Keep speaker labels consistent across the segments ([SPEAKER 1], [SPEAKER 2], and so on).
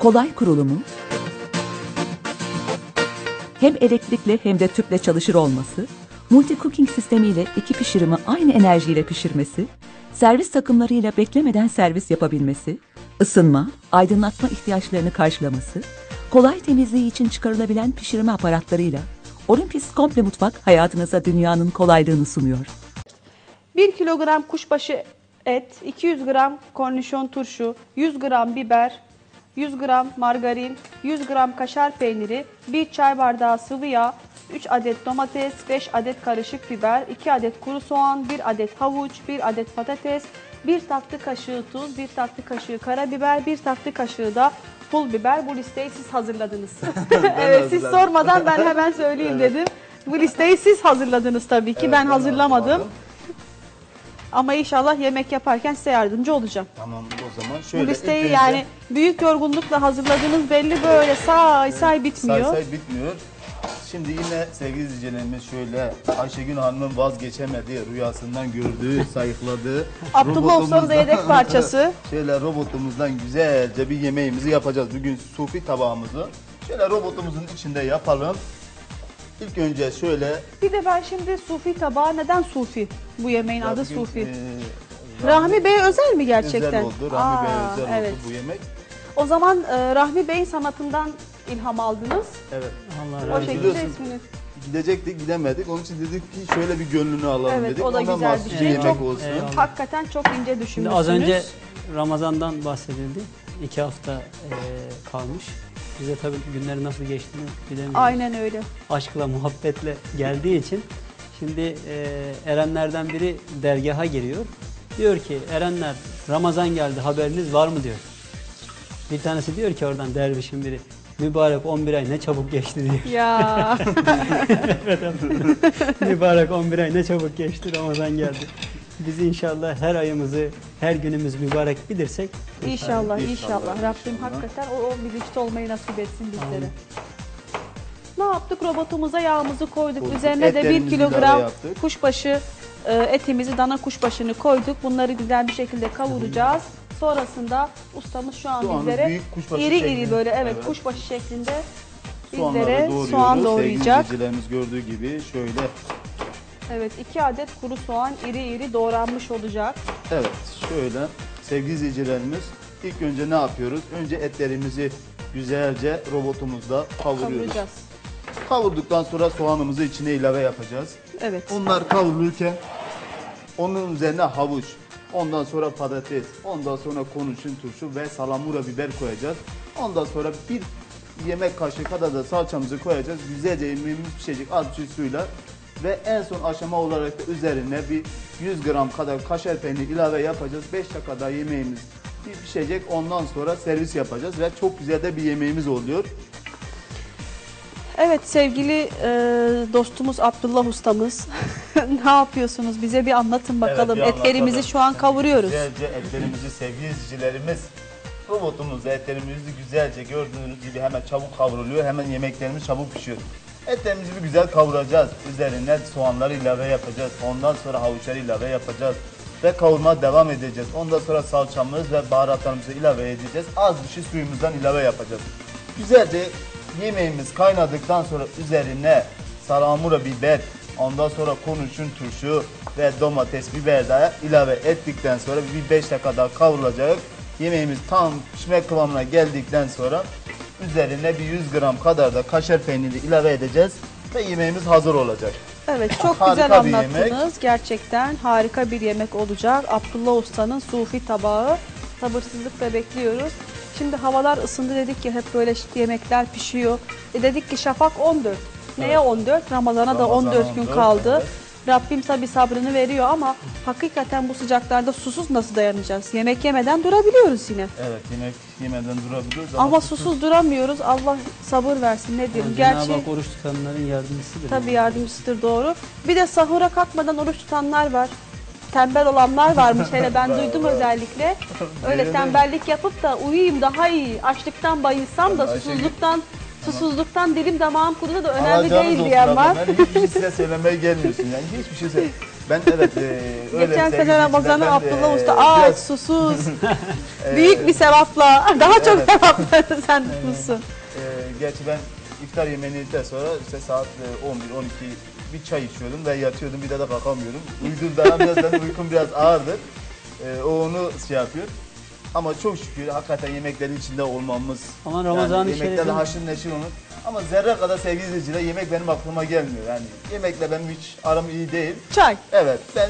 [SPEAKER 1] kolay kurulumu, hem elektrikli hem de tüple çalışır olması, multi cooking sistemiyle iki pişirimi aynı enerjiyle pişirmesi, servis takımlarıyla beklemeden servis yapabilmesi, ısınma, aydınlatma ihtiyaçlarını karşılaması, kolay temizliği için çıkarılabilen pişirme aparatlarıyla Olympus Komple Mutfak hayatınıza dünyanın kolaylığını sunuyor.
[SPEAKER 2] 1 kilogram kuşbaşı et, 200 gram kornişon turşu, 100 gram biber, 100 gram margarin, 100 gram kaşar peyniri, 1 çay bardağı sıvı yağ, 3 adet domates, 5 adet karışık biber, 2 adet kuru soğan, 1 adet havuç, 1 adet patates, 1 tatlı kaşığı tuz, 1 tatlı kaşığı karabiber, 1 tatlı kaşığı da pul biber. Bu listeyi siz hazırladınız. Evet, siz sormadan ben hemen söyleyeyim dedim. Bu listeyi siz hazırladınız tabii ki.
[SPEAKER 3] Evet,
[SPEAKER 2] ben hazırlamadım.
[SPEAKER 3] hazırlamadım.
[SPEAKER 2] Ama inşallah yemek yaparken size yardımcı olacağım.
[SPEAKER 3] Tamam, o zaman şöyle.
[SPEAKER 2] Bu listeyi
[SPEAKER 3] ilk önce
[SPEAKER 2] yani büyük yorgunlukla hazırladığınız belli, böyle say bitmiyor.
[SPEAKER 3] say bitmiyor. Şimdi yine sevgili izleyicilerimiz şöyle Ayşegül Hanım'ın vazgeçemediği, rüyasından gördüğü, sayıkladığı
[SPEAKER 2] Abdullah Usta'nın da yedek parçası.
[SPEAKER 3] Şöyle robotumuzdan güzelce bir yemeğimizi yapacağız. Bugün sufi tabağımızı şöyle robotumuzun içinde yapalım. İlk önce şöyle.
[SPEAKER 2] Bir de ben şimdi sufi tabağı, neden sufi? Bu yemeğin adı
[SPEAKER 3] bugün,
[SPEAKER 2] sufi. Rahmi Bey'e özel mi gerçekten?
[SPEAKER 3] Özel oldu. Rahmi Bey'e özel
[SPEAKER 2] evet.
[SPEAKER 3] oldu bu yemek.
[SPEAKER 2] O zaman Rahmi Bey'in sanatından ilham aldınız.
[SPEAKER 3] Evet.
[SPEAKER 4] Allah
[SPEAKER 2] O
[SPEAKER 4] razı olsun.
[SPEAKER 2] şekilde
[SPEAKER 3] Biliyorsun,
[SPEAKER 2] ismini.
[SPEAKER 3] Gidecektik, gidemedik. Onun için dedik ki şöyle bir gönlünü alalım
[SPEAKER 2] Evet,
[SPEAKER 3] dedik.
[SPEAKER 2] o da
[SPEAKER 3] Ona
[SPEAKER 2] güzel
[SPEAKER 3] mahsus
[SPEAKER 2] bir
[SPEAKER 3] bir
[SPEAKER 2] şey.
[SPEAKER 3] yemek
[SPEAKER 2] Çok-
[SPEAKER 3] olsun.
[SPEAKER 4] Eyvallah.
[SPEAKER 2] Hakikaten çok ince
[SPEAKER 4] Şimdi
[SPEAKER 2] düşünmüşsünüz.
[SPEAKER 4] az önce Ramazan'dan bahsedildi. 2 hafta kalmış. Bize tabii günleri nasıl geçtiğini bilemiyoruz.
[SPEAKER 2] Aynen öyle.
[SPEAKER 4] Aşkla, muhabbetle geldiği için şimdi erenlerden biri dergaha giriyor. Diyor ki erenler Ramazan geldi, haberiniz var mı diyor. Bir tanesi diyor ki oradan dervişin biri, mübarek 11 ay ne çabuk geçti diyor.
[SPEAKER 2] Ya
[SPEAKER 4] Mübarek 11 ay ne çabuk geçti, Ramazan geldi. Biz inşallah her ayımızı, her günümüz mübarek bilirsek
[SPEAKER 2] inşallah,
[SPEAKER 3] İnşallah,
[SPEAKER 2] inşallah. Rabbim
[SPEAKER 3] inşallah.
[SPEAKER 2] hakikaten o bilinçli olmayı nasip etsin bizlere.
[SPEAKER 4] Amin.
[SPEAKER 2] Ne yaptık? Robotumuza yağımızı koyduk.
[SPEAKER 3] Koyduk.
[SPEAKER 2] Üzerine de 1
[SPEAKER 3] Etlerimizi
[SPEAKER 2] kilogram
[SPEAKER 3] ilave yaptık.
[SPEAKER 2] kuşbaşı etimizi, dana kuşbaşını koyduk. Bunları güzel bir şekilde kavuracağız. Sonrasında ustamız şu an
[SPEAKER 3] Soğanı
[SPEAKER 2] bizlere
[SPEAKER 3] büyük kuşbaşı
[SPEAKER 2] iri iri
[SPEAKER 3] şeklinde,
[SPEAKER 2] böyle
[SPEAKER 3] evet.
[SPEAKER 2] kuşbaşı şeklinde
[SPEAKER 3] Soğanları
[SPEAKER 2] bizlere
[SPEAKER 3] doğruyoruz.
[SPEAKER 2] soğan
[SPEAKER 3] Sevgili
[SPEAKER 2] doğrayacak.
[SPEAKER 3] izleyicilerimiz gördüğü gibi şöyle.
[SPEAKER 2] Evet, 2 adet kuru soğan iri iri doğranmış olacak.
[SPEAKER 3] Evet, şöyle sevgili izleyicilerimiz ilk önce ne yapıyoruz? Önce etlerimizi güzelce robotumuzda kavuruyoruz.
[SPEAKER 2] Kavuracağız.
[SPEAKER 3] Kavurduktan sonra soğanımızı içine ilave yapacağız.
[SPEAKER 2] Evet.
[SPEAKER 3] Onlar kavrulurken onun üzerine havuç, ondan sonra patates, ondan sonra konuşun turşu ve salamura biber koyacağız. Ondan sonra bir yemek kaşığı kadar da salçamızı koyacağız. Güzelce yemeğimiz pişecek az bir suyla. Ve en son aşama olarak da üzerine bir 100 gram kadar kaşar peyniri ilave yapacağız. 5 dakika daha yemeğimiz pişecek. Ondan sonra servis yapacağız ve çok güzel de bir yemeğimiz oluyor.
[SPEAKER 2] Evet, sevgili dostumuz Abdullah ustamız, ne yapıyorsunuz? Bize bir anlatın bakalım.
[SPEAKER 3] Evet, bir
[SPEAKER 2] Etlerimizi
[SPEAKER 3] anlatalım.
[SPEAKER 2] şu an kavuruyoruz.
[SPEAKER 3] Güzelce etlerimizi sevgili izleyicilerimiz robotumuzda etlerimizi güzelce gördüğünüz gibi hemen çabuk kavruluyor. Hemen yemeklerimiz çabuk pişiyor. Etlerimizi bir güzel kavuracağız. Üzerine soğanları ilave yapacağız. Ondan sonra havuçları ilave yapacağız. Ve kavurmaya devam edeceğiz. Ondan sonra salçamız ve baharatlarımızı ilave edeceğiz. Az bir şey suyumuzdan ilave yapacağız. Güzelce yemeğimiz kaynadıktan sonra üzerine salamura biber, ondan sonra konuşun turşu ve domates, biber daha ilave ettikten sonra bir 5 dakika daha kavrulacak. Yemeğimiz tam pişme kıvamına geldikten sonra üzerine bir 100 gram kadar da kaşar peyniri ilave edeceğiz ve yemeğimiz hazır olacak.
[SPEAKER 2] Evet, çok
[SPEAKER 3] Harika
[SPEAKER 2] güzel
[SPEAKER 3] bir
[SPEAKER 2] anlattınız.
[SPEAKER 3] yemek.
[SPEAKER 2] Gerçekten harika bir yemek olacak. Abdullah Usta'nın sufi tabağı. Sabırsızlıkla bekliyoruz. Şimdi havalar ısındı dedik ki hep böyle yemekler pişiyor. Dedik ki şafak 14. Neye 14? Ramazan'a da 14 gün
[SPEAKER 3] 14,
[SPEAKER 2] kaldı.
[SPEAKER 3] evet.
[SPEAKER 2] Rabbim tabi sabrını veriyor ama hakikaten bu sıcaklarda susuz nasıl dayanacağız? Yemek yemeden durabiliyoruz yine.
[SPEAKER 3] Evet, yemek yemeden durabiliyoruz
[SPEAKER 2] Ama susuz duramıyoruz. Allah sabır versin ne diyelim.
[SPEAKER 4] Cenab-ı
[SPEAKER 2] Gerçi
[SPEAKER 4] Hak oruç tutanların yardımcısıdır.
[SPEAKER 2] tabii yardımcısıdır, doğru. Bir de sahura kalkmadan oruç tutanlar var. Tembel olanlar varmış, hele ben duydum özellikle. Öyle
[SPEAKER 3] Benim de-
[SPEAKER 2] tembellik yapıp da uyuyayım daha iyi, açlıktan bayılsam da
[SPEAKER 3] Ayşegül-
[SPEAKER 2] susuzluktan Susuzluktan dilim damağım kurudu da önemli
[SPEAKER 3] Alacağınız
[SPEAKER 2] değil
[SPEAKER 3] olsun
[SPEAKER 2] diyen
[SPEAKER 3] abla.
[SPEAKER 2] var.
[SPEAKER 3] Ben hiçbir şey size söylemeye gelmiyorsun yani. Hiçbir şey söyle. Ben evet öyle
[SPEAKER 2] Geçen
[SPEAKER 3] sevgili
[SPEAKER 2] sene Ramazan'ı
[SPEAKER 3] izleyiciler, ben,
[SPEAKER 2] Abdullah Usta aç,
[SPEAKER 3] biraz,
[SPEAKER 2] susuz, büyük bir sevapla, daha çok
[SPEAKER 3] Evet.
[SPEAKER 2] sevapla sen tutmuşsun.
[SPEAKER 3] Gerçi ben iftar yemeğini yedikten sonra işte saat 11-12 bir çay içiyordum ve yatıyordum, bir daha da kalkamıyorum. Uyuduğumda biraz benim uykum biraz ağırdır. O onu şey yapıyor. Ama çok şükür hakikaten yemeklerin içinde olmamız.
[SPEAKER 4] Ama Ramazan-ı
[SPEAKER 3] yemeklerle
[SPEAKER 4] Şerif'in-
[SPEAKER 3] haşır neşir olmak. Ama zerre kadar sevgili izleyiciler yemek benim aklıma gelmiyor. Yani yemekle benim hiç aram iyi değil.
[SPEAKER 2] Çay.
[SPEAKER 3] Evet ben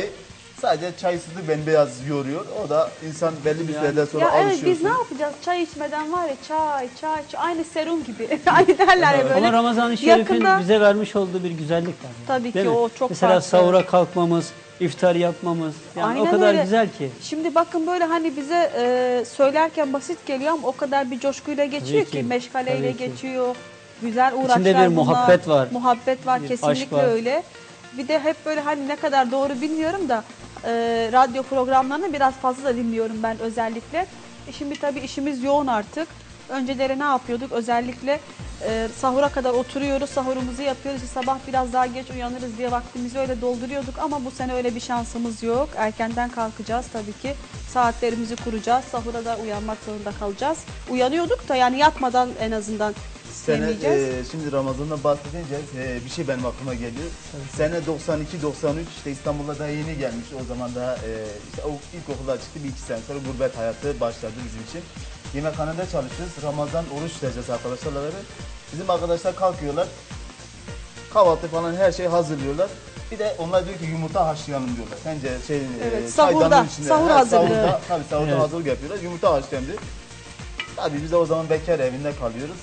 [SPEAKER 3] sadece çaysızlık beni biraz yoruyor. O da insan belli bir
[SPEAKER 4] Yani-
[SPEAKER 3] süreden sonra
[SPEAKER 2] Ya evet
[SPEAKER 3] alışıyorsun.
[SPEAKER 2] biz ne yapacağız? Çay içmeden var ya çay. Aynı serum gibi. Hani derler ya böyle.
[SPEAKER 4] Ama Ramazan-ı Şerif'in
[SPEAKER 2] yakında-
[SPEAKER 4] bize vermiş olduğu bir güzellik var. Yani.
[SPEAKER 2] Tabii
[SPEAKER 4] Değil
[SPEAKER 2] ki
[SPEAKER 4] mi?
[SPEAKER 2] o çok
[SPEAKER 4] Mesela
[SPEAKER 2] farklı.
[SPEAKER 4] sahura kalkmamız, iftar yapmamız. Yani
[SPEAKER 2] Aynen
[SPEAKER 4] o kadar
[SPEAKER 2] öyle.
[SPEAKER 4] güzel ki.
[SPEAKER 2] Şimdi bakın böyle hani bize söylerken basit geliyor ama o kadar bir coşkuyla geçiyor
[SPEAKER 4] Tabii
[SPEAKER 2] ki,
[SPEAKER 4] ki,
[SPEAKER 2] meşgaleyle
[SPEAKER 4] tabii ki.
[SPEAKER 2] geçiyor. Güzel uğraşlar
[SPEAKER 4] İçinde bir
[SPEAKER 2] bunlar.
[SPEAKER 4] muhabbet var.
[SPEAKER 2] Muhabbet var
[SPEAKER 4] Bir
[SPEAKER 2] kesinlikle
[SPEAKER 4] aşk var.
[SPEAKER 2] öyle. Bir de hep böyle hani ne kadar doğru bilmiyorum da radyo programlarını biraz fazla da dinliyorum ben özellikle. Şimdi tabii işimiz yoğun artık. Önceleri ne yapıyorduk? Özellikle sahura kadar oturuyoruz, sahurumuzu yapıyoruz. Sabah biraz daha geç uyanırız diye vaktimizi öyle dolduruyorduk ama bu sene öyle bir şansımız yok. Erkenden kalkacağız tabii ki. Saatlerimizi kuracağız. Sahura da uyanmak zorunda kalacağız. Uyanıyorduk da yani yatmadan en azından
[SPEAKER 3] Sene,
[SPEAKER 2] istemeyeceğiz.
[SPEAKER 3] şimdi Ramazan'dan bahsedince bir şey benim aklıma geliyor. Sene 92-93 işte İstanbul'a daha yeni gelmiş. O zaman daha işte ilkokulda çıktı, bir iki sene sonra gurbet hayatı başladı bizim için. Yemekhanede çalışıyoruz. Ramazan oruç tutacağız arkadaşlarla beraber. Bizim arkadaşlar kalkıyorlar. Kahvaltı falan her şey hazırlıyorlar. Bir de onlar diyor ki yumurta haşlayalım diyorlar. Sence
[SPEAKER 2] Evet,
[SPEAKER 3] çaydanın
[SPEAKER 2] sahurda,
[SPEAKER 3] içinde.
[SPEAKER 2] sahur hazırlığı.
[SPEAKER 3] Sahurda, tabii sahurda
[SPEAKER 4] Evet.
[SPEAKER 3] hazırlık yapıyorlar. Yumurta haşlayalım diyor. Tabii biz de o zaman bekar evinde kalıyoruz.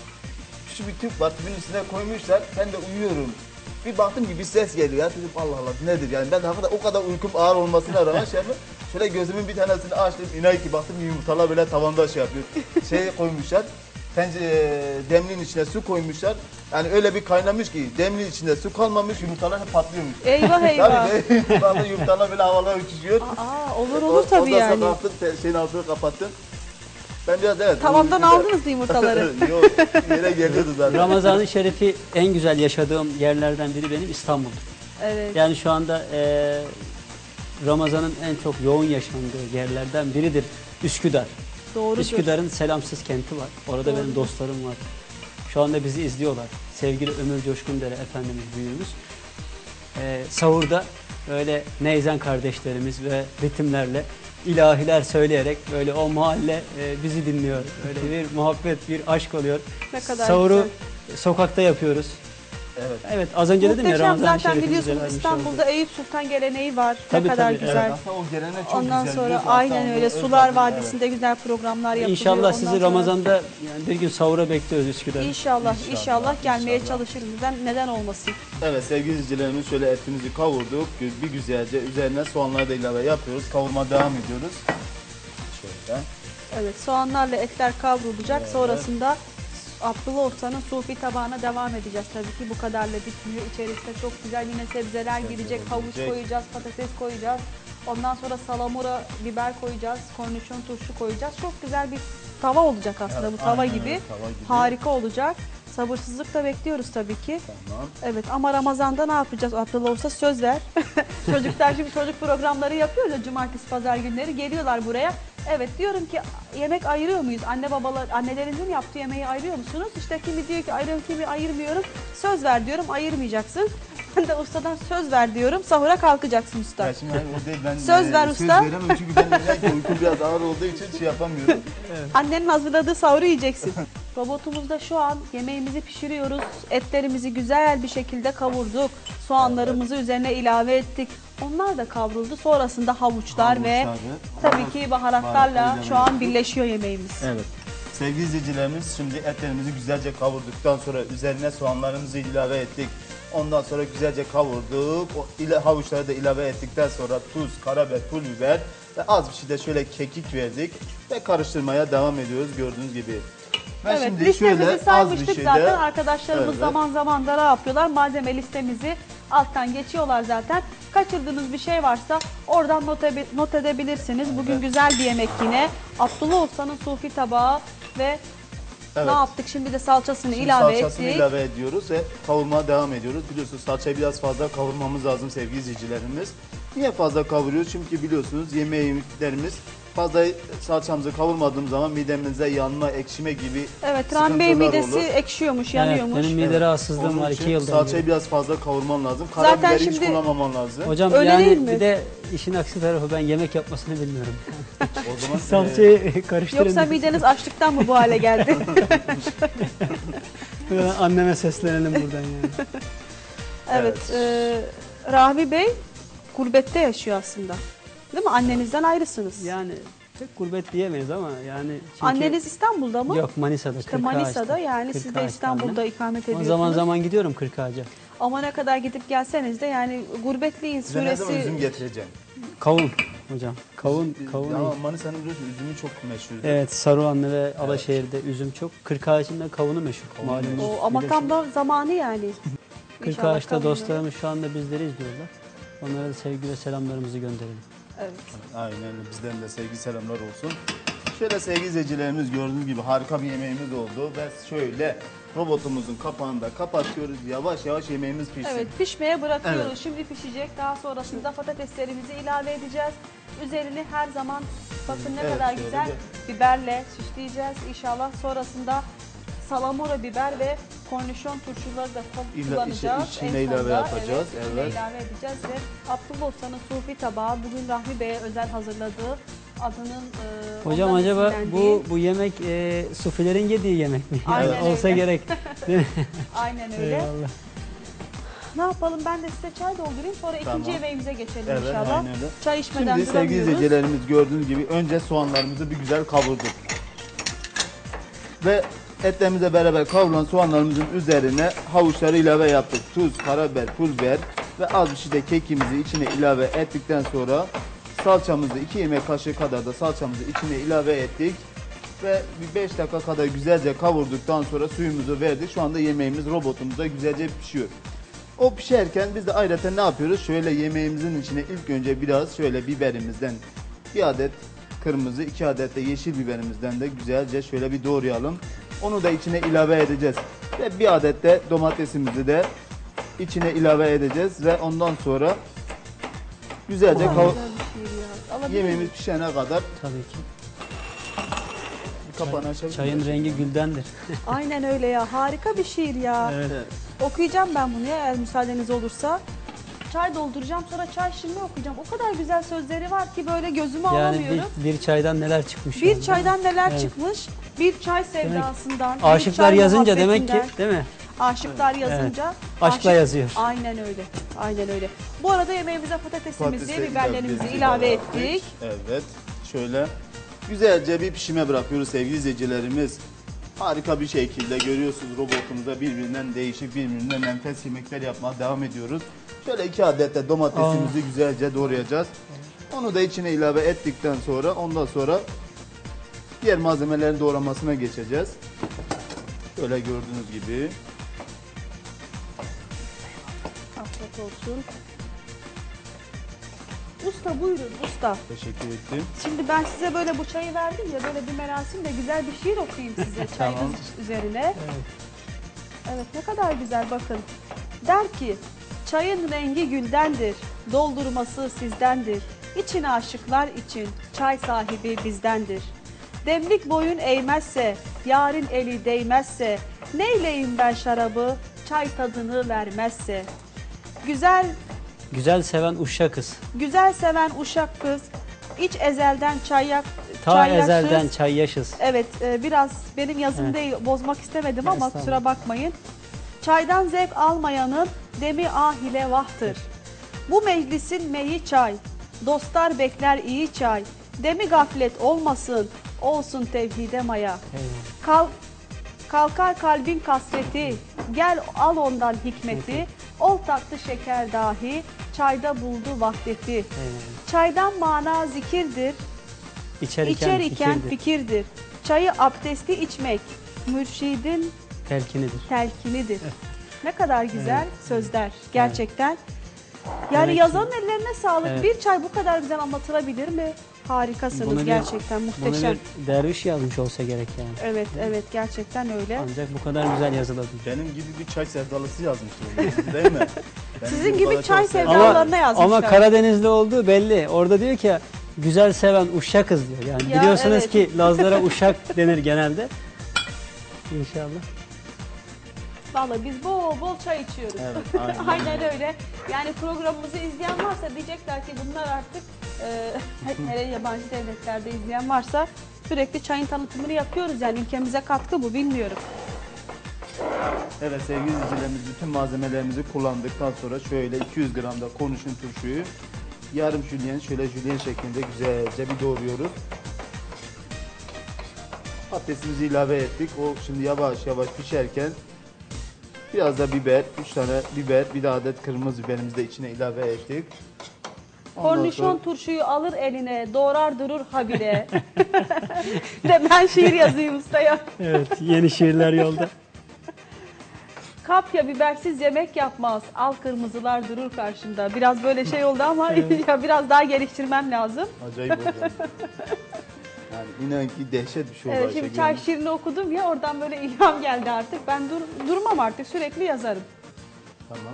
[SPEAKER 3] Küçük bir tüp var, tüpün üstüne koymuşlar. Ben de uyuyorum. Bir baktım ki bir ses geliyor ya, dedim Allah Allah nedir yani, ben de hakikaten o kadar uykum ağır olmasına rağmen şey yapıyorum. Şöyle gözümün bir tanesini açtım, inan ki baktım yumurtalar böyle tavanda şey yapıyor. Şey koymuşlar, demliğin içine su koymuşlar. Yani öyle bir kaynamış ki demliğin içinde su kalmamış, yumurtalar hep patlıyormuş.
[SPEAKER 2] Eyvah eyvah.
[SPEAKER 3] Tabii baktım yumurtalar böyle havalara uçuşuyor.
[SPEAKER 2] Aa, olur tabii
[SPEAKER 3] Ondan
[SPEAKER 2] yani.
[SPEAKER 3] sonra kalktım, şeyin altını kapattım. Ben biraz evet.
[SPEAKER 2] Tavandan
[SPEAKER 3] güzel-
[SPEAKER 2] aldınız mı yumurtaları?
[SPEAKER 3] Yok, yere geliyordu zaten.
[SPEAKER 4] Ramazan-ı Şerif'i en güzel yaşadığım yerlerden biri benim İstanbul'dur.
[SPEAKER 2] Evet.
[SPEAKER 4] Yani şu anda Ramazan'ın en çok yoğun yaşandığı yerlerden biridir Üsküdar.
[SPEAKER 2] Doğrudur.
[SPEAKER 4] Üsküdar'ın Selamsız kenti var. Orada benim
[SPEAKER 2] Doğrudur.
[SPEAKER 4] dostlarım var. Şu anda bizi izliyorlar. Sevgili Ömür Coşkundere Efendimiz büyüğümüz. Sahurda öyle neyzen kardeşlerimiz ve ritimlerle ilahiler söyleyerek böyle o mahalle bizi dinliyor. Öyle bir muhabbet, bir aşk oluyor.
[SPEAKER 2] Ne kadar
[SPEAKER 4] Sahuru
[SPEAKER 2] güzel.
[SPEAKER 4] sokakta yapıyoruz.
[SPEAKER 3] Evet.
[SPEAKER 4] Evet, az önce dedim ya
[SPEAKER 2] Muhteşem
[SPEAKER 4] Ramazan-ı
[SPEAKER 2] zaten
[SPEAKER 4] Şerif'i bize
[SPEAKER 2] biliyorsunuz
[SPEAKER 4] vermiş
[SPEAKER 2] İstanbul'da
[SPEAKER 4] oldu.
[SPEAKER 2] Eyüp Sultan geleneği var.
[SPEAKER 4] Tabii,
[SPEAKER 2] ne kadar
[SPEAKER 4] tabii,
[SPEAKER 2] güzel.
[SPEAKER 3] Evet, aslında o gelenek çok
[SPEAKER 2] Ondan
[SPEAKER 3] güzel.
[SPEAKER 2] sonra
[SPEAKER 3] biliyorsun.
[SPEAKER 2] aynen
[SPEAKER 3] Aslında
[SPEAKER 2] öyle
[SPEAKER 3] o
[SPEAKER 2] Sular
[SPEAKER 3] özelliği,
[SPEAKER 2] Vadisi'nde güzel programlar yapılıyor.
[SPEAKER 4] İnşallah
[SPEAKER 2] Ondan
[SPEAKER 4] sizi
[SPEAKER 2] sonra-
[SPEAKER 4] Ramazan'da yani bir gün sahura bekliyoruz Üsküdar'da.
[SPEAKER 2] İnşallah gelmeye
[SPEAKER 3] inşallah.
[SPEAKER 2] çalışırız. Neden olmasın?
[SPEAKER 3] Evet sevgili izleyicilerimiz, şöyle etimizi kavurduk. Bir güzelce üzerine soğanları da ilave yapıyoruz. Kavurma devam ediyoruz. Şöyle.
[SPEAKER 2] Evet, soğanlarla etler kavrulacak.
[SPEAKER 3] Evet.
[SPEAKER 2] Sonrasında Abdullah Usta'nın sufi tabağına devam edeceğiz tabii ki. Bu kadarla bitmiyor. İçerisinde çok güzel yine sebzeler girecek. Havuç
[SPEAKER 3] girecek.
[SPEAKER 2] koyacağız, patates koyacağız. Ondan sonra salamura, biber koyacağız. Kornişon turşu koyacağız. Çok güzel bir tava olacak aslında,
[SPEAKER 3] Evet,
[SPEAKER 2] bu tava
[SPEAKER 3] aynen
[SPEAKER 2] gibi.
[SPEAKER 3] öyle, tava gibi.
[SPEAKER 2] Harika olacak. Sabırsızlıkla bekliyoruz tabii ki.
[SPEAKER 3] Tamam.
[SPEAKER 2] Evet ama Ramazan'da ne yapacağız Abdullah Usta? Söz ver. Çocuklar şimdi çocuk programları yapıyor ya, cumartesi pazar günleri geliyorlar buraya. Evet diyorum ki yemek ayırıyor muyuz? Annelerinizin yaptığı yemeği ayırıyor musunuz? İşte kimi diyor ki ayırıyorum, kimi ayırmıyorum. Söz ver diyorum, ayırmayacaksın. Ben de ustadan söz ver diyorum. Sahura kalkacaksın usta.
[SPEAKER 3] Ya şimdi hayır, o değil, ben
[SPEAKER 2] Söz ver
[SPEAKER 3] söz
[SPEAKER 2] usta.
[SPEAKER 3] veremem çünkü ben uykum biraz ağır olduğu için şey yapamıyorum.
[SPEAKER 2] Annenin hazırladığı sahuru yiyeceksin. Robotumuzda şu an yemeğimizi pişiriyoruz. Etlerimizi güzel bir şekilde kavurduk. Soğanlarımızı üzerine ilave ettik. Onlar da kavruldu. Sonrasında havuçlar ve
[SPEAKER 3] Havuçları,
[SPEAKER 2] tabii ki baharatlarla
[SPEAKER 3] baharatlarıyla
[SPEAKER 2] şu an
[SPEAKER 3] birlikte.
[SPEAKER 2] birleşiyor yemeğimiz.
[SPEAKER 3] Evet. Sevgili izleyicilerimiz, şimdi etlerimizi güzelce kavurduktan sonra üzerine soğanlarımızı ilave ettik. Ondan sonra güzelce kavurduk. Havuçları da ilave ettikten sonra tuz, karabiber, pul biber ve az bir şey de şöyle kekik verdik. Ve karıştırmaya devam ediyoruz gördüğünüz gibi. Ben
[SPEAKER 2] Evet,
[SPEAKER 3] şimdi
[SPEAKER 2] listemizi
[SPEAKER 3] şöyle az
[SPEAKER 2] saymıştık
[SPEAKER 3] bir şey
[SPEAKER 2] zaten.
[SPEAKER 3] de-
[SPEAKER 2] Arkadaşlarımız
[SPEAKER 3] Evet.
[SPEAKER 2] zaman zaman da ne yapıyorlar? Malzeme listemizi alttan geçiyorlar zaten. Kaçırdığınız bir şey varsa oradan not edebilirsiniz. Bugün güzel bir yemek yine. Abdullah Usta'nın sufi tabağı ve
[SPEAKER 3] Evet.
[SPEAKER 2] Ne yaptık? Şimdi de salçasını
[SPEAKER 3] Şimdi
[SPEAKER 2] ilave
[SPEAKER 3] salçasını
[SPEAKER 2] ettik.
[SPEAKER 3] ilave ediyoruz ve kavurmaya devam ediyoruz. Biliyorsunuz salçayı biraz fazla kavurmamız lazım sevgili izleyicilerimiz. Niye fazla kavuruyoruz? Çünkü biliyorsunuz yemeğlerimiz fazla salçamızı kavurmadığım zaman midemizde yanma, ekşime gibi
[SPEAKER 2] Evet, Rahmi Bey
[SPEAKER 3] sıkıntılar
[SPEAKER 2] midesi
[SPEAKER 3] olur.
[SPEAKER 2] ekşiyormuş,
[SPEAKER 4] Evet,
[SPEAKER 2] yanıyormuş.
[SPEAKER 4] benim mide rahatsızlığım
[SPEAKER 3] Onun
[SPEAKER 4] var
[SPEAKER 3] için
[SPEAKER 4] 2 yıldır.
[SPEAKER 3] salçayı biraz fazla kavurman lazım.
[SPEAKER 2] Zaten
[SPEAKER 3] Karabiberi hiç
[SPEAKER 2] şimdi-
[SPEAKER 3] kullanmaman lazım.
[SPEAKER 4] Hocam
[SPEAKER 2] Öyle
[SPEAKER 4] yani
[SPEAKER 2] değil mi?
[SPEAKER 4] bir de işin aksi tarafı ben yemek yapmasını bilmiyorum.
[SPEAKER 3] O zaman
[SPEAKER 4] Salçayı karıştırın.
[SPEAKER 2] Yoksa mideniz açlıktan mı bu hale geldi?
[SPEAKER 4] Anneme seslenelim buradan yani.
[SPEAKER 2] Evet. Rahmi Bey gurbette yaşıyor aslında. Değil mi? Annenizden ayrısınız.
[SPEAKER 4] Yani pek gurbet diyemeyiz ama yani çünkü
[SPEAKER 2] Anneniz İstanbul'da mı?
[SPEAKER 4] yok Manisa'da.
[SPEAKER 2] İşte
[SPEAKER 4] 40
[SPEAKER 2] Manisa'da,
[SPEAKER 4] Ağaç'ta.
[SPEAKER 2] yani
[SPEAKER 4] 40
[SPEAKER 2] siz de
[SPEAKER 4] Ağaç'ta
[SPEAKER 2] İstanbul'da
[SPEAKER 4] annem.
[SPEAKER 2] ikamet
[SPEAKER 4] Ama
[SPEAKER 2] ediyorsunuz.
[SPEAKER 4] zaman zaman gidiyorum 40 Ağaç'a.
[SPEAKER 2] Ama ne kadar gidip gelseniz de yani Gurbetliğin
[SPEAKER 3] size ne zaman üzüm
[SPEAKER 2] suresi...
[SPEAKER 3] getireceğim?
[SPEAKER 4] Kavun hocam. Kavun.
[SPEAKER 3] Ya Manisa'nın biliyorsun üzümü çok meşhur.
[SPEAKER 4] Evet, Saruhanlı ve Alaşehir'de üzüm çok. 40 Ağaç'ın kavunu meşhur.
[SPEAKER 3] Kavunu
[SPEAKER 4] Malumunuz.
[SPEAKER 2] O ama tam da zamanı yani.
[SPEAKER 4] 40
[SPEAKER 2] İnşallah
[SPEAKER 4] Ağaç'ta
[SPEAKER 2] kavunu-
[SPEAKER 4] dostlarımız şu anda bizleri izliyorlar. Onlara da sevgi ve selamlarımızı gönderelim.
[SPEAKER 2] Evet.
[SPEAKER 3] Aynen öyle. Bizden de sevgi selamlar olsun. Şöyle sevgili izleyicilerimiz gördüğünüz gibi harika bir yemeğimiz oldu ve şöyle robotumuzun kapağını da kapatıyoruz. Yavaş yavaş yemeğimiz pişsin.
[SPEAKER 2] Evet, pişmeye bırakıyoruz.
[SPEAKER 3] Evet.
[SPEAKER 2] Şimdi pişecek. Daha sonrasında patateslerimizi ilave edeceğiz. Üzerini her zaman bakın ne
[SPEAKER 3] Evet,
[SPEAKER 2] kadar
[SPEAKER 3] şöyle
[SPEAKER 2] güzel biberle süsleyeceğiz inşallah. Sonrasında salamura biber ve kornişon turşuları da kullanacağız.
[SPEAKER 3] içine
[SPEAKER 2] En
[SPEAKER 3] ilave
[SPEAKER 2] sonunda,
[SPEAKER 3] yapacağız,
[SPEAKER 2] içine
[SPEAKER 3] evet.
[SPEAKER 2] ilave edeceğiz ve Abdullah Usta'nın sufi tabağı bugün Rahmi Bey'e özel hazırladığı adının
[SPEAKER 4] Hocam
[SPEAKER 2] ondan
[SPEAKER 4] acaba
[SPEAKER 2] esinlendiği-
[SPEAKER 4] bu yemek sufilerin yediği yemek mi? Yani
[SPEAKER 2] Aynen
[SPEAKER 4] olsa
[SPEAKER 2] öyle.
[SPEAKER 4] gerek. Değil mi?
[SPEAKER 2] Aynen öyle.
[SPEAKER 4] Eyvallah.
[SPEAKER 2] Ne yapalım, ben de size çay doldurayım, sonra
[SPEAKER 3] Tamam.
[SPEAKER 2] ikinci yemeğimize geçelim
[SPEAKER 3] Evet,
[SPEAKER 2] inşallah.
[SPEAKER 3] aynen öyle.
[SPEAKER 2] Çay içmeden
[SPEAKER 3] Şimdi sevgili
[SPEAKER 2] duramıyoruz.
[SPEAKER 3] izleyicilerimiz gördüğünüz gibi önce soğanlarımızı bir güzel kavurduk. Ve etlerimizle beraber kavrulan soğanlarımızın üzerine havuçları ilave yaptık. Tuz, karabiber, pul biber ve az bir şey de kekimizi içine ilave ettikten sonra salçamızı 2 yemek kaşığı kadar da salçamızı içine ilave ettik. Ve bir 5 dakika kadar güzelce kavurduktan sonra suyumuzu verdik. Şu anda yemeğimiz robotumuzda güzelce pişiyor. O pişerken biz de ayrıca ne yapıyoruz? Şöyle yemeğimizin içine ilk önce biraz şöyle biberimizden bir adet kırmızı, 2 adet de yeşil biberimizden de güzelce şöyle bir doğrayalım. Onu da içine ilave edeceğiz. Ve bir adet de domatesimizi de içine ilave edeceğiz ve ondan sonra güzelce
[SPEAKER 2] Güzel bir şey ya. Alabilir
[SPEAKER 3] yemeğimiz
[SPEAKER 2] miyim?
[SPEAKER 3] pişene kadar
[SPEAKER 4] Tabii ki.
[SPEAKER 3] kapağını açabiliriz.
[SPEAKER 4] Çayın rengi güldendir.
[SPEAKER 2] Aynen öyle ya. Harika bir şiir ya.
[SPEAKER 4] Evet.
[SPEAKER 2] Okuyacağım ben bunu ya, eğer müsaadeniz olursa. Çay dolduracağım, sonra çay şiirini okuyacağım. O kadar güzel sözleri var ki böyle gözümü
[SPEAKER 4] Yani
[SPEAKER 2] alamıyorum.
[SPEAKER 4] bir çaydan neler çıkmış.
[SPEAKER 2] Bir
[SPEAKER 4] yani.
[SPEAKER 2] çaydan neler
[SPEAKER 4] Evet.
[SPEAKER 2] çıkmış? Bir çay sevdasından. bir
[SPEAKER 4] Aşıklar
[SPEAKER 2] çay
[SPEAKER 4] yazınca demek ki
[SPEAKER 2] muhabbetinden.
[SPEAKER 4] değil mi?
[SPEAKER 2] Aşıklar yazınca.
[SPEAKER 4] Aşkla yazıyor.
[SPEAKER 2] Aynen öyle. Aynen öyle. Bu arada yemeğimize patatesimizi,
[SPEAKER 3] Patatesi
[SPEAKER 2] biberlerimizi
[SPEAKER 3] ilave
[SPEAKER 2] ilave
[SPEAKER 3] ettik.
[SPEAKER 2] ettik.
[SPEAKER 3] Evet. Şöyle güzelce bir pişime bırakıyoruz sevgili izleyicilerimiz. Harika bir şekilde görüyorsunuz robotumuzda birbirinden değişik, birbirinden enfes yemekler yapmaya devam ediyoruz. Şöyle 2 adet de domatesimizi güzelce doğrayacağız. Onu da içine ilave ettikten sonra ondan sonra diğer malzemelerin doğramasına geçeceğiz. Şöyle gördüğünüz gibi.
[SPEAKER 2] Afiyet olsun. Usta buyurun usta.
[SPEAKER 3] Teşekkür ettim.
[SPEAKER 2] Şimdi ben size böyle bu çayı verdim ya, böyle bir merasimle güzel bir şiir okuyayım size çayınız
[SPEAKER 3] Tamam.
[SPEAKER 2] üzerine. Evet, ne kadar güzel bakın. Der ki, çayın rengi güldendir, doldurması sizdendir. İçine aşıklar için çay sahibi bizdendir. Demlik boyun eğmezse, yarın eli değmezse, neyleyim ben şarabı, çay tadını vermezse.
[SPEAKER 4] Güzel seven uşak kız.
[SPEAKER 2] Güzel seven uşak kız, iç ezelden
[SPEAKER 4] Ta
[SPEAKER 2] çayyaksız.
[SPEAKER 4] ezelden çay yaşız.
[SPEAKER 2] Evet, biraz benim yazım değil, bozmak istemedim ama
[SPEAKER 4] Estağfurullah.
[SPEAKER 2] kusura bakmayın. Çaydan zevk almayanın demi ahile vahtır. Bu meclisin meyi çay, dostlar bekler iyi çay. Demi gaflet olmasın, olsun tevhide maya.
[SPEAKER 4] Eyvallah.
[SPEAKER 2] Kalkar kalbin kasveti, gel al ondan hikmeti. Ol tatlı şeker dahi, çayda buldu vahdeti.
[SPEAKER 4] Eyvallah.
[SPEAKER 2] Çaydan mana zikirdir,
[SPEAKER 4] İçer
[SPEAKER 2] İçer iken
[SPEAKER 4] fikirdir,
[SPEAKER 2] fikirdir. Çayı abdesti içmek mürşidin
[SPEAKER 4] telkinidir.
[SPEAKER 2] telkinidir. Ne kadar güzel sözler gerçekten. Yani
[SPEAKER 4] Demek ki-
[SPEAKER 2] yazanın ellerine sağlık.
[SPEAKER 4] Evet.
[SPEAKER 2] Bir çay bu kadar güzel anlatılabilir mi? Harikasınız
[SPEAKER 4] Bunu bir-
[SPEAKER 2] gerçekten,
[SPEAKER 4] Bunu
[SPEAKER 2] muhteşem.
[SPEAKER 4] bir derviş yazmış olsa gerek yani.
[SPEAKER 2] Evet, evet gerçekten öyle.
[SPEAKER 4] Ancak bu kadar güzel yazılabilir.
[SPEAKER 3] Benim gibi bir çay sevdalısı yazmıştır onu, değil mi? Benim
[SPEAKER 2] Sizin
[SPEAKER 3] bu
[SPEAKER 2] gibi
[SPEAKER 3] kadar
[SPEAKER 2] çay
[SPEAKER 3] çok sevdim.
[SPEAKER 2] sevdalılarına yazmışlar.
[SPEAKER 4] Ama Karadenizli olduğu belli. Orada diyor ki güzel seven uşakız diyor. Yani
[SPEAKER 2] Ya,
[SPEAKER 4] biliyorsunuz
[SPEAKER 2] evet.
[SPEAKER 4] ki Lazlara uşak denir genelde. İnşallah.
[SPEAKER 2] Vallahi biz bol bol çay içiyoruz.
[SPEAKER 3] Evet, aynen.
[SPEAKER 2] Aynen öyle. Yani programımızı izleyen varsa diyecekler ki bunlar artık hele yabancı devletlerde izleyen varsa sürekli çayın tanıtımını yapıyoruz. Yani ülkemize katkı bu, bilmiyorum.
[SPEAKER 3] Evet sevgili izleyicilerimiz, bütün malzemelerimizi kullandıktan sonra şöyle 200 gram da kornişon turşuyu yarım jülyen, şöyle jülyen şeklinde güzelce bir doğruyoruz. Patatesimizi ilave ettik. O şimdi yavaş yavaş pişerken biraz da biber, 3 tane biber, bir de adet kırmızı biberimizi de içine ilave ettik. Ondan
[SPEAKER 2] Kornişon
[SPEAKER 3] sonra-
[SPEAKER 2] turşuyu alır eline, doğrar durur habire. De ben şiir yazayım ustaya.
[SPEAKER 4] Evet, yeni şiirler yolda.
[SPEAKER 2] Kapya bibersiz yemek yapmaz. Al kırmızılar durur karşında. Biraz böyle şey oldu ama ya biraz daha geliştirmem lazım.
[SPEAKER 3] Acayip oldu. Yani inan ki dehşet bir şey oldu
[SPEAKER 2] Evet,
[SPEAKER 3] Ayşegül
[SPEAKER 2] şimdi çay
[SPEAKER 3] Hanım.
[SPEAKER 2] şiirini okudum ya, oradan böyle ilham geldi artık. Ben durmam artık, sürekli yazarım.
[SPEAKER 3] Tamam.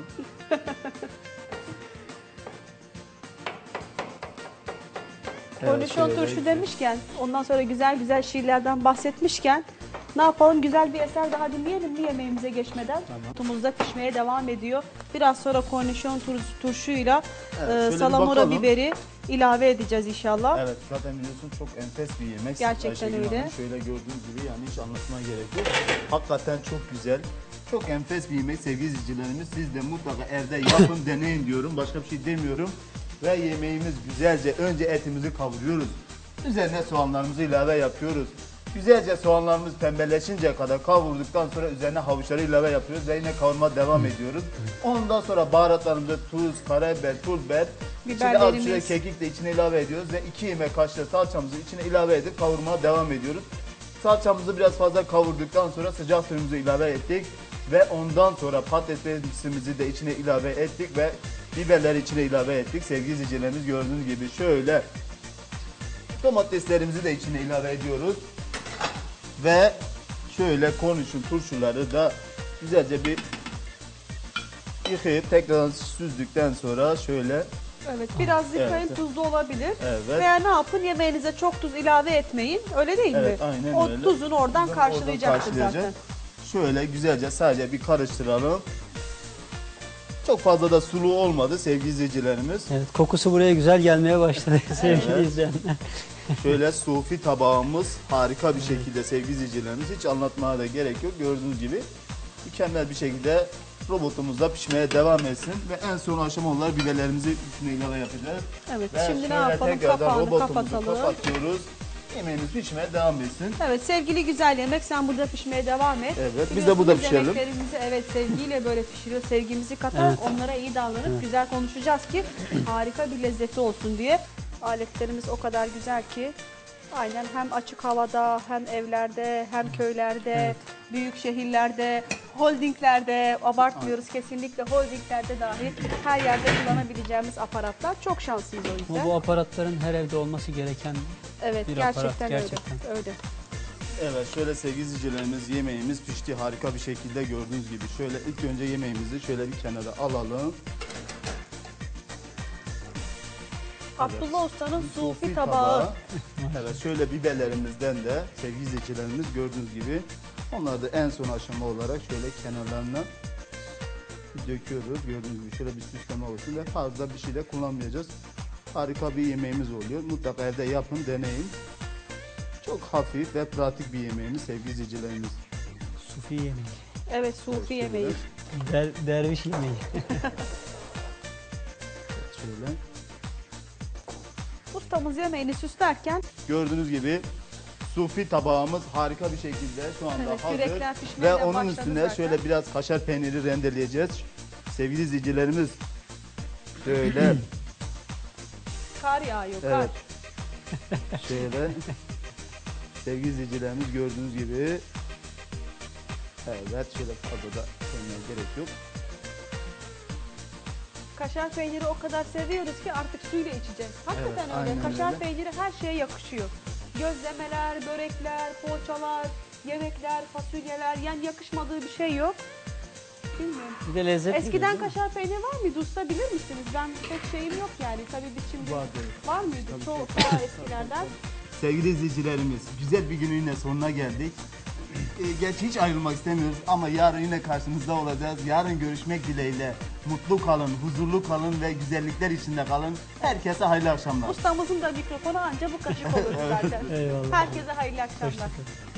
[SPEAKER 2] Kornişon
[SPEAKER 3] şöyle
[SPEAKER 2] turşu demişken, ondan sonra güzel güzel şiirlerden bahsetmişken ne yapalım, güzel bir eser daha dinleyelim mi yemeğimize geçmeden?
[SPEAKER 3] Tamam.
[SPEAKER 2] Tumuzda pişmeye devam ediyor. Biraz sonra kornişon turşuyla
[SPEAKER 3] şöyle bir
[SPEAKER 2] salamura
[SPEAKER 3] bakalım.
[SPEAKER 2] biberi ilave edeceğiz inşallah.
[SPEAKER 3] Evet, zaten biliyorsun çok enfes bir yemek.
[SPEAKER 2] Gerçekten
[SPEAKER 3] Ayşegül
[SPEAKER 2] öyle.
[SPEAKER 3] Hanım. Şöyle gördüğünüz gibi yani hiç anlatmaya gerek yok. Hakikaten çok güzel. Çok enfes bir yemek sevgili izleyicilerimiz. Siz de mutlaka evde yapın, deneyin diyorum. Başka bir şey demiyorum. Ve yemeğimiz güzelce, önce etimizi kavuruyoruz. Üzerine soğanlarımızı ilave yapıyoruz. Güzelce soğanlarımız pembeleşinceye kadar kavurduktan sonra üzerine havuçları ilave yapıyoruz ve yine kavurma devam ediyoruz. Ondan sonra baharatlarımızı tuz, karabiber, pul biber, içine az
[SPEAKER 2] Biberlerimiz.
[SPEAKER 3] şöyle kekik de içine ilave ediyoruz ve 2 yemek kaşığı salçamızı içine ilave edip kavurmaya devam ediyoruz. Salçamızı biraz fazla kavurduktan sonra sıcak suyumuzu ilave ettik ve ondan sonra patatesimizi de içine ilave ettik ve biberleri içine ilave ettik. Sevgili izleyicilerimiz, gördüğünüz gibi şöyle domateslerimizi de içine ilave ediyoruz. Ve şöyle kornişon turşuları da güzelce bir yıkayıp tekrar süzdükten sonra şöyle
[SPEAKER 2] Evet, biraz yıkayın,
[SPEAKER 3] Evet.
[SPEAKER 2] tuzlu olabilir.
[SPEAKER 3] Evet.
[SPEAKER 2] Veya ne yapın, yemeğinize çok tuz ilave etmeyin. Öyle değil
[SPEAKER 3] Evet,
[SPEAKER 2] mi?
[SPEAKER 3] aynen
[SPEAKER 2] O
[SPEAKER 3] öyle.
[SPEAKER 2] tuzunu oradan
[SPEAKER 3] Tuzunu
[SPEAKER 2] karşılayacaktır
[SPEAKER 3] oradan
[SPEAKER 2] zaten.
[SPEAKER 3] şöyle güzelce sadece bir karıştıralım. Çok fazla da sulu olmadı sevgili izleyicilerimiz.
[SPEAKER 4] Evet, kokusu buraya güzel gelmeye başladı sevgili
[SPEAKER 3] Evet.
[SPEAKER 4] izleyenler.
[SPEAKER 3] Şöyle sufi tabağımız harika bir şekilde sevgili izleyicilerimiz, hiç anlatmaya da gerek yok. Gördüğünüz gibi mükemmel bir şekilde robotumuzda pişmeye devam etsin ve en son aşama olarak biberlerimizi üstüne ilave yapacağız.
[SPEAKER 2] Evet,
[SPEAKER 3] Ve
[SPEAKER 2] şimdi ne
[SPEAKER 3] şöyle
[SPEAKER 2] yapalım?
[SPEAKER 3] tekrardan
[SPEAKER 2] Kapağını
[SPEAKER 3] robotumuzu
[SPEAKER 2] kapatalım.
[SPEAKER 3] kapatıyoruz. Yemeğimiz pişmeye devam etsin.
[SPEAKER 2] Evet, sevgili güzel yemek, sen burada pişmeye devam et.
[SPEAKER 3] Evet, biz de
[SPEAKER 2] Biliyorsunuz
[SPEAKER 3] burada pişirelim.
[SPEAKER 2] Yemeklerimizi evet sevgiyle böyle pişiriyor, sevgimizi katarak onlara iyi davranıp güzel konuşacağız ki harika bir lezzeti olsun diye. Aletlerimiz o kadar güzel ki aynen hem açık havada, hem evlerde, hem köylerde, büyük şehirlerde, holdinglerde, abartmıyoruz kesinlikle, holdinglerde dahi her yerde kullanabileceğimiz aparatlar. Çok şanslıyız o yüzden.
[SPEAKER 4] Ama bu aparatların her evde olması gereken
[SPEAKER 2] Evet,
[SPEAKER 4] bir aparat,
[SPEAKER 2] gerçekten,
[SPEAKER 4] gerçekten.
[SPEAKER 2] öyle.
[SPEAKER 3] Evet, şöyle sevgili izleyicilerimiz, yemeğimiz pişti harika bir şekilde gördüğünüz gibi. Şöyle ilk önce yemeğimizi şöyle bir kenara alalım.
[SPEAKER 2] Abdullah Usta'nın sufi tabağı.
[SPEAKER 3] Evet, şöyle biberlerimizden de sevgili izleyicilerimiz gördüğünüz gibi onları da en son aşama olarak şöyle kenarlarına döküyoruz. Gördüğünüz gibi şöyle bir süsleme olsun ve fazla bir şey de kullanmayacağız. Harika bir yemeğimiz oluyor. Mutlaka evde yapın, deneyin. Çok hafif ve pratik bir yemeğimiz sevgili izleyicilerimiz.
[SPEAKER 4] sufi yemeği,
[SPEAKER 2] Evet, sufi yemeği.
[SPEAKER 4] derviş yemeği.
[SPEAKER 3] Şöyle.
[SPEAKER 2] Ustamız yemeğini süslerken
[SPEAKER 3] Gördüğünüz gibi sufi tabağımız harika bir şekilde şu anda
[SPEAKER 2] Evet,
[SPEAKER 3] hazır.
[SPEAKER 2] yürekler pişmeye
[SPEAKER 3] Ve
[SPEAKER 2] de
[SPEAKER 3] onun
[SPEAKER 2] başladı
[SPEAKER 3] üstüne
[SPEAKER 2] zaten.
[SPEAKER 3] şöyle biraz kaşar peyniri rendeleyeceğiz. Sevgili izleyicilerimiz şöyle
[SPEAKER 2] kar yağıyor, kar.
[SPEAKER 3] evet. Şöyle sevgili izleyicilerimiz gördüğünüz gibi evet, şöyle fazla da koymaya gerek yok.
[SPEAKER 2] kaşar peyniri o kadar seviyoruz ki artık suyla içeceğiz. Hakikaten
[SPEAKER 3] Evet,
[SPEAKER 2] öyle.
[SPEAKER 3] aynen
[SPEAKER 2] Kaşar
[SPEAKER 3] öyle.
[SPEAKER 2] peyniri her şeye yakışıyor. Gözlemeler, börekler, poğaçalar, yemekler, fasulyeler, yani yakışmadığı bir şey yok. Bilmiyorum.
[SPEAKER 4] Bir de lezzetli.
[SPEAKER 2] Eskiden
[SPEAKER 4] değil mi?
[SPEAKER 2] kaşar peyniri var mıydı usta, bilir misiniz? Ben pek şeyim yok yani. Tabii biz şimdi var mıydı? Çok daha eskilerden.
[SPEAKER 3] Sevgili izleyicilerimiz, güzel bir günün yine sonuna geldik. Gerçi hiç ayrılmak istemiyoruz ama yarın yine karşınızda olacağız. Yarın görüşmek dileğiyle. Mutlu kalın, huzurlu kalın ve güzellikler içinde kalın. Herkese hayırlı akşamlar.
[SPEAKER 2] Ustamızın da mikrofonu anca bu kaşık olur zaten.
[SPEAKER 4] Eyvallah.
[SPEAKER 2] Herkese hayırlı akşamlar.
[SPEAKER 4] Hoşçakalın.